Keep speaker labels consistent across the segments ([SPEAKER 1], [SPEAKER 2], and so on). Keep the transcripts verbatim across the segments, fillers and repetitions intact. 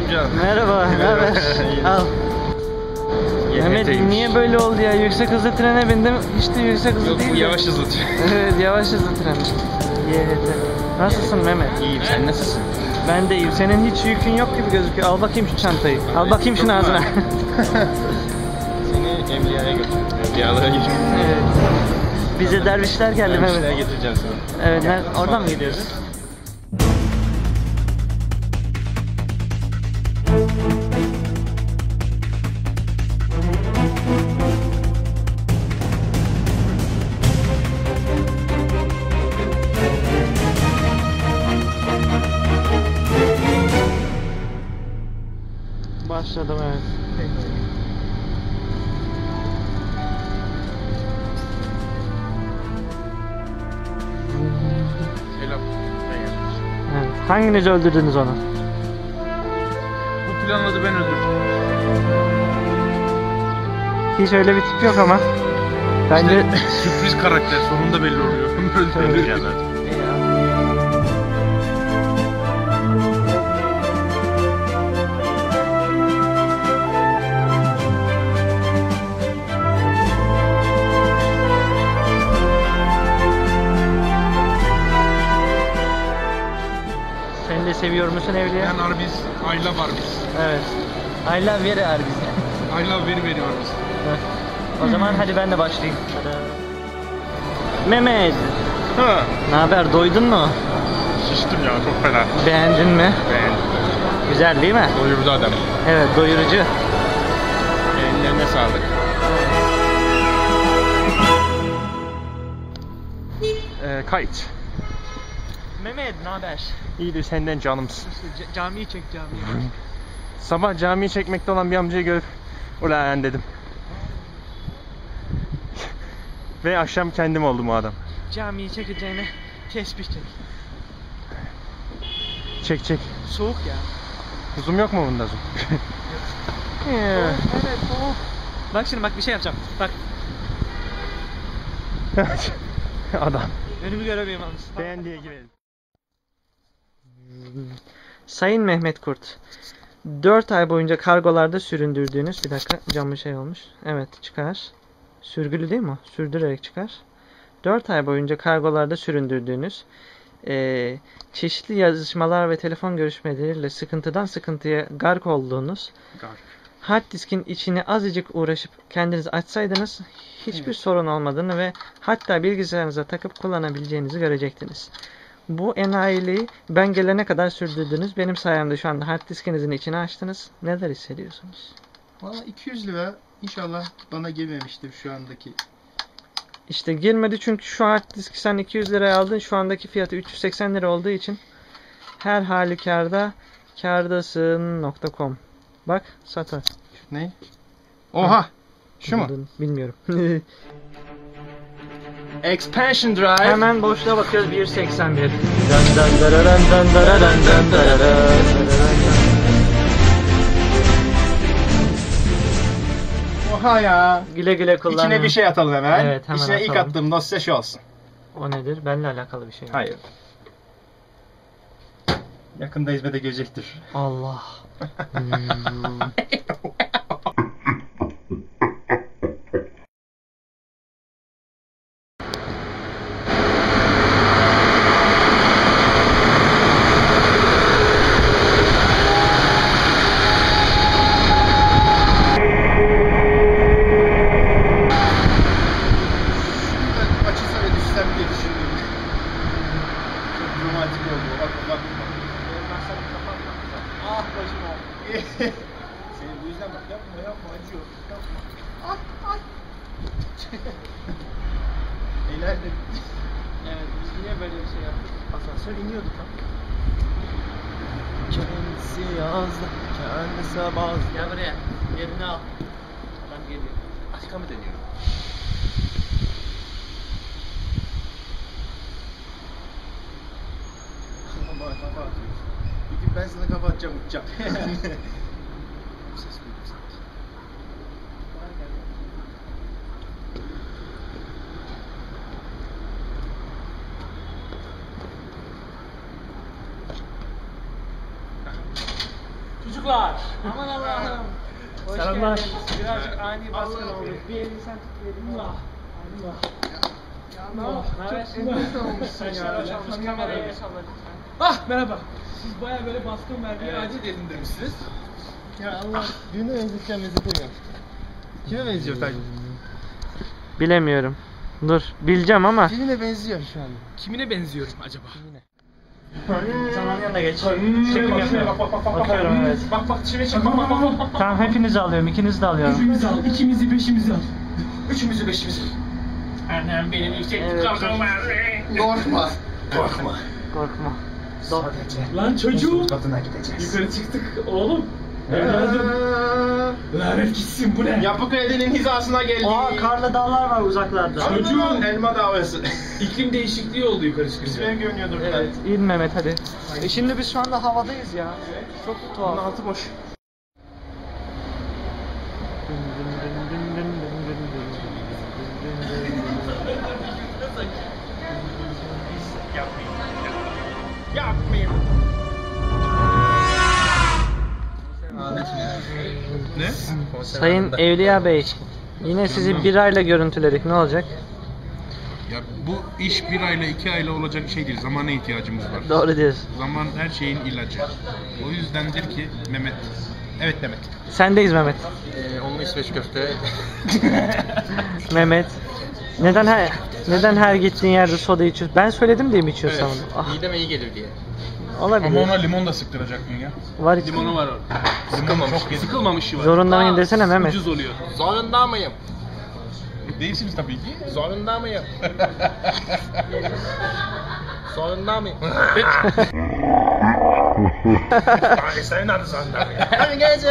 [SPEAKER 1] amca.
[SPEAKER 2] Merhaba, ne haber? Al. Mehmet niye böyle oldu ya? Yüksek hızlı trene bindim. Hiç de yüksek hızlı
[SPEAKER 1] Yok,
[SPEAKER 2] değil.
[SPEAKER 1] bu yavaş hızlı tren.
[SPEAKER 2] Evet, yavaş hızlı tren. Y H T. Nasılsın Mehmet?
[SPEAKER 1] İyiyim, sen nasılsın?
[SPEAKER 2] Ben de iyiyim. Senin hiç yükün yok gibi gözüküyor. Al bakayım şu çantayı. Al bakayım şunu ağzına.
[SPEAKER 1] Seni Evliya'ya götürüyorum. Evliyalara götürüyorum.
[SPEAKER 2] Evet. Bize dervişler geldi
[SPEAKER 1] Mehmet.
[SPEAKER 2] Mehmet.
[SPEAKER 1] Getireceğim sana.
[SPEAKER 2] Evet, ne, oradan mı gidiyoruz? Başladım, evet.
[SPEAKER 1] Selam.
[SPEAKER 2] Evet. Hanginiz öldürdünüz onu?
[SPEAKER 1] Bu planladı, ben öldürdüm.
[SPEAKER 2] Hiç öyle bir tip yok ama. Bence
[SPEAKER 1] İşte, sürpriz karakter sonunda belli oluyor. Öldürdüm ya zaten.
[SPEAKER 2] Sen de seviyor musun Evliya?
[SPEAKER 1] Ben Arby's, I love Arby's.
[SPEAKER 2] Evet. I love very Arby's.
[SPEAKER 1] I love very very Arby's.
[SPEAKER 2] O zaman hadi ben de başlayayım. Mehmet,
[SPEAKER 1] Ha.
[SPEAKER 2] ne haber? Doydun mu?
[SPEAKER 1] Şiştim ya, çok fena.
[SPEAKER 2] Beğendin mi?
[SPEAKER 1] Beğendim.
[SPEAKER 2] Güzel değil mi?
[SPEAKER 1] Doyurdu adam.
[SPEAKER 2] Evet, doyurucu.
[SPEAKER 1] Ellerine sağlık. Ee, kayıt.
[SPEAKER 2] Mehmet, ne haber?
[SPEAKER 1] İyidir, senden canımsın.
[SPEAKER 2] İşte camiyi çek camiyi.
[SPEAKER 1] Sabah camiyi çekmekte olan bir amcayı görüp ulan dedim. Ve akşam kendim oldum o adam.
[SPEAKER 2] Camiyi çekeceğine tesbih çek.
[SPEAKER 1] Çek çek.
[SPEAKER 2] Soğuk ya.
[SPEAKER 1] Zoom yok mu bunda zoom?
[SPEAKER 2] Evet, soğuk. Bak şimdi, bak bir şey yapacağım. Bak.
[SPEAKER 1] Adam.
[SPEAKER 2] Önümü göremiyorum yalnız.
[SPEAKER 1] Beğendiye girelim.
[SPEAKER 2] Sayın Mehmet Kurt, dört ay boyunca kargolarda süründürdüğünüz, bir dakika camlı şey olmuş. Evet, çıkar. Sürgülü değil mi o? Sürdürerek çıkar. dört ay boyunca kargolarda süründürdüğünüz, e, çeşitli yazışmalar ve telefon görüşmeleriyle sıkıntıdan sıkıntıya gark olduğunuz,
[SPEAKER 1] Gark.
[SPEAKER 2] hard diskin içini azıcık uğraşıp kendiniz açsaydınız hiçbir evet. sorun olmadığını ve hatta bilgisayarınıza takıp kullanabileceğinizi görecektiniz. Bu enayiliği ben gelene kadar sürdürdünüz. Benim sayemde şu anda hard diskinizin içini açtınız. Neler hissediyorsunuz?
[SPEAKER 3] Valla iki yüz lira inşallah bana girmemiştir şu andaki.
[SPEAKER 2] İşte girmedi çünkü şu hard diski sen iki yüz liraya aldın. Şu andaki fiyatı üç yüz seksen lira olduğu için her halükarda kârdasın nokta com. Bak satar.
[SPEAKER 3] Ne? Oha! Şu mu?
[SPEAKER 2] Bilmiyorum.
[SPEAKER 3] Expansion Drive.
[SPEAKER 2] Hemen boşluğa bakıyoruz, bir seksen bir.
[SPEAKER 3] Oha ya.
[SPEAKER 2] Güle güle kullan.
[SPEAKER 3] İçine bir şey atalım hemen.
[SPEAKER 2] Evet, hemen
[SPEAKER 3] İçine
[SPEAKER 2] atalım.
[SPEAKER 3] ilk attığım dosya şu olsun.
[SPEAKER 2] O nedir? Benimle alakalı bir şey mi?
[SPEAKER 3] Hayır. Yakında hizmete girecektir.
[SPEAKER 2] Allah. Hmm.
[SPEAKER 3] Açılsa ve düşsem diye düşündüm. Çok romantik oldu. Bak bak bak. Ah başım ağrıyor. Senin bu yüzden bak, yapma yapma, acıyor. Yapma. Ah ay. Eğlendim.
[SPEAKER 2] Evet, biz niye böyle bir şey yaptık?
[SPEAKER 3] Asansör iniyordu tam.
[SPEAKER 2] Kendisi yazdı, kendisi bazı. Gel buraya, yerini al. Adam geliyor.
[SPEAKER 3] Aşka mı dönüyor? Bana kafa atıyorsun. Bir gün ben sana kafa atacağım, uçacağım. Ses duydum sanki. Çocuk
[SPEAKER 1] çocuklar. Aman Allah'ım. Selamlar. Birazcık ani baskın oldu. Bir elini sen tut, bir elini Allah. Allah. Çok enteresan olmuşsun ya. Kamerayı el salla lütfen.
[SPEAKER 4] Ah merhaba. Siz baya böyle baskın vermeye acil edin demişsiniz.
[SPEAKER 3] Ya Allah, birine benzeteceğim benzetemiyorum. Kime benziyor Tayfun?
[SPEAKER 2] Bilemiyorum. Dur, bileceğim ama.
[SPEAKER 3] Birine benziyor şu an.
[SPEAKER 4] Kimine benziyorum acaba?
[SPEAKER 2] Zaman yanına geç. Çekim yapıyorum. Bakıyorum evet.
[SPEAKER 4] Bak bak çime çek. Bak bak bak bak.
[SPEAKER 2] Tamam hepinizi alıyorum, ikinizi de alıyorum.
[SPEAKER 4] Üçümüzü al, ikimizi beşimizi al. Üçümüzü beşimizi al. Annem benim yüksek
[SPEAKER 2] Evet.
[SPEAKER 4] kalkım var.
[SPEAKER 3] Korkma. Korkma.
[SPEAKER 2] Korkma.
[SPEAKER 4] Lan çocuğum. Yukarı çıktık oğlum. Evladım. Lanet gitsin bu ne?
[SPEAKER 3] Yapı Kredi'nin hizasına geldik.
[SPEAKER 2] Aa karlı dağlar var uzaklarda.
[SPEAKER 3] Çocuğun elma davası.
[SPEAKER 4] İklim değişikliği oldu yukarı çıkınca.
[SPEAKER 3] Benim görünüyordur.
[SPEAKER 2] Evet, in Mehmet hadi. E şimdi biz şu anda havadayız ya. Çok tuhaf.
[SPEAKER 3] Altı boş. Yapmayayım. Ne?
[SPEAKER 2] Sayın Evliya Bey, yine sizi bir ayla görüntüledik. Ne olacak?
[SPEAKER 5] Ya bu iş bir ayla iki ayla olacak şey değil. Zamana ihtiyacımız var.
[SPEAKER 2] Doğru diyorsun.
[SPEAKER 5] Zaman her şeyin ilacı. O yüzdendir ki Mehmet. Evet Mehmet.
[SPEAKER 2] Sendeyiz Mehmet.
[SPEAKER 3] Ee, onunla İsveç köfte.
[SPEAKER 2] Mehmet. Neden her neden her gittiğin yerde soda içiyorsun? Ben söyledim diye mi içiyorsun?
[SPEAKER 3] Evet.
[SPEAKER 2] Ah,
[SPEAKER 3] Mideme iyi gelir diye.
[SPEAKER 2] olabilir.
[SPEAKER 5] Ama ona limon da sıktıracak mı ya?
[SPEAKER 2] Var içinde.
[SPEAKER 4] Limonu var orada.
[SPEAKER 3] Sıkılmamış.
[SPEAKER 4] Sıkılmamış var.
[SPEAKER 2] Zorunda mıyım desene Mehmet.
[SPEAKER 4] Ucuz oluyor.
[SPEAKER 3] Zorunda mıyım?
[SPEAKER 5] Değilsiniz tabii ki.
[SPEAKER 3] Zorunda mıyım? Zorunda mıyım?
[SPEAKER 5] Senin adı sandım.
[SPEAKER 3] Hadi gece.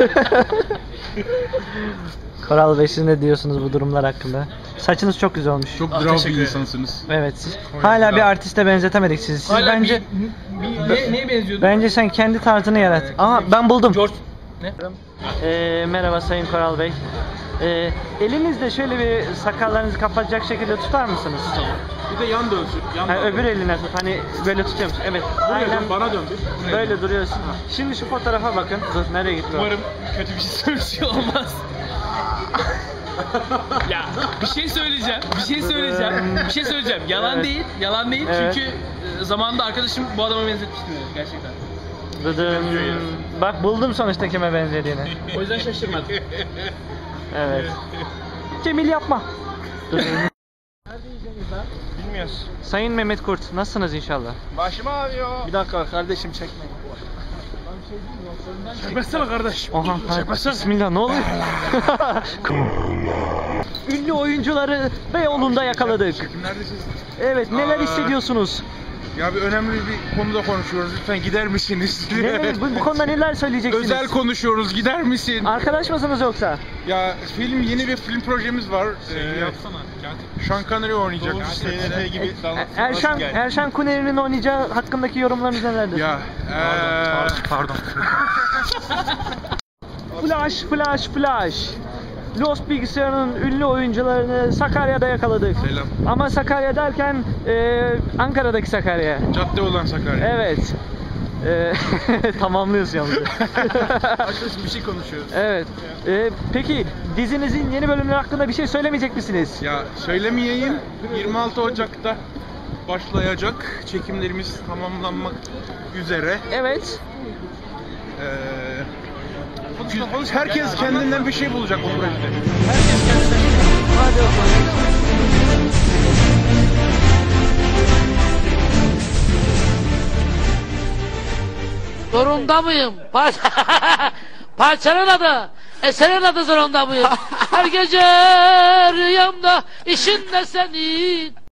[SPEAKER 2] Koral Bey siz ne diyorsunuz bu durumlar hakkında? Saçınız çok güzel olmuş.
[SPEAKER 5] Çok
[SPEAKER 4] Ah,
[SPEAKER 5] bravo
[SPEAKER 4] teşekkür
[SPEAKER 5] bir
[SPEAKER 4] ederim.
[SPEAKER 5] insansınız.
[SPEAKER 2] Evet siz. Hala bir artiste benzetemedik sizi. Siz
[SPEAKER 4] Hala
[SPEAKER 2] bence
[SPEAKER 4] bir, bir, ne, neye benziyordu?
[SPEAKER 2] bence sen kendi tarzını yarat. Aa ben buldum.
[SPEAKER 4] George. Ne?
[SPEAKER 2] Ee, merhaba Sayın Koral Bey. Ee, elinizde şöyle bir sakallarınızı kapatacak şekilde tutar mısınız?
[SPEAKER 4] Bir de yan dönsün. Yan
[SPEAKER 2] Hani
[SPEAKER 4] dön.
[SPEAKER 2] öbür eline tut. Hani böyle tutuyor musun? Evet.
[SPEAKER 4] Buraya
[SPEAKER 2] Aynen
[SPEAKER 4] dön, bana dön bir. Buraya
[SPEAKER 2] böyle
[SPEAKER 4] dön.
[SPEAKER 2] duruyorsun. Şimdi şu fotoğrafa bakın. Dur nereye gitti o?
[SPEAKER 4] Umarım kötü bir şey söylemiş olmaz. Ya bir şey söyleyeceğim, bir şey söyleyeceğim, bir şey söyleyeceğim. Yalan
[SPEAKER 2] Evet.
[SPEAKER 4] değil, yalan değil
[SPEAKER 2] Evet.
[SPEAKER 4] çünkü e, zamanında arkadaşım bu adama benzetmişti beni gerçekten.
[SPEAKER 2] Dıdım. Bak buldum sonuçta kime benzediğini.
[SPEAKER 4] O yüzden şaşırmadım.
[SPEAKER 2] Evet. Cemil yapma. Dıdım.
[SPEAKER 3] Bilmiyoruz.
[SPEAKER 2] Sayın Mehmet Kurt, nasılsınız inşallah?
[SPEAKER 3] Başım ağrıyor. Bir dakika kardeşim çekme.
[SPEAKER 4] Çekmezsene kardeş.
[SPEAKER 2] Oha, hayır. Bismillah ne oluyor? Ünlü oyuncuları Beyoğlu'nda yakaladık.
[SPEAKER 5] Neredesiniz?
[SPEAKER 2] Evet, neler
[SPEAKER 5] Aa.
[SPEAKER 2] hissediyorsunuz?
[SPEAKER 5] Ya bir önemli bir konuda konuşuyoruz. Lütfen gider misiniz?
[SPEAKER 2] Ne, bu, bu konuda neler söyleyeceksiniz?
[SPEAKER 5] Özel konuşuyoruz. Gider misin?
[SPEAKER 2] Arkadaş mısınız yoksa?
[SPEAKER 5] Ya film yeni bir film projemiz var. Ee,
[SPEAKER 4] Yapsana.
[SPEAKER 5] Sean Connery oynayacak.
[SPEAKER 3] S N F gibi
[SPEAKER 2] E- Erşan, Erşan Kuneri'nin oynayacağı hakkındaki yorumlarınız nelerdir?
[SPEAKER 5] Ya eee
[SPEAKER 3] Pardon.
[SPEAKER 2] Flash, flash, flash. Lost Bilgisayar'ın ünlü oyuncularını Sakarya'da yakaladık.
[SPEAKER 5] Selam.
[SPEAKER 2] Ama Sakarya derken e, Ankara'daki Sakarya.
[SPEAKER 5] Cadde olan Sakarya.
[SPEAKER 2] Evet. E, tamamlıyorsun yalnız.
[SPEAKER 3] Arkadaşım bir şey konuşuyoruz.
[SPEAKER 2] Evet. E, peki dizinizin yeni bölümleri hakkında bir şey söylemeyecek misiniz?
[SPEAKER 5] Ya söylemeyeyim. yirmi altı Ocak'ta başlayacak. Çekimlerimiz tamamlanmak üzere.
[SPEAKER 2] Evet.
[SPEAKER 5] Ee, herkes kendinden bir şey bulacak o projede. Herkes kendinden bir şey bulacak.
[SPEAKER 2] Hadi bakalım.
[SPEAKER 6] Zorunda mıyım? Par Parçanın adı, eserin adı zorunda mıyım? Her gece rüyamda işin de senin.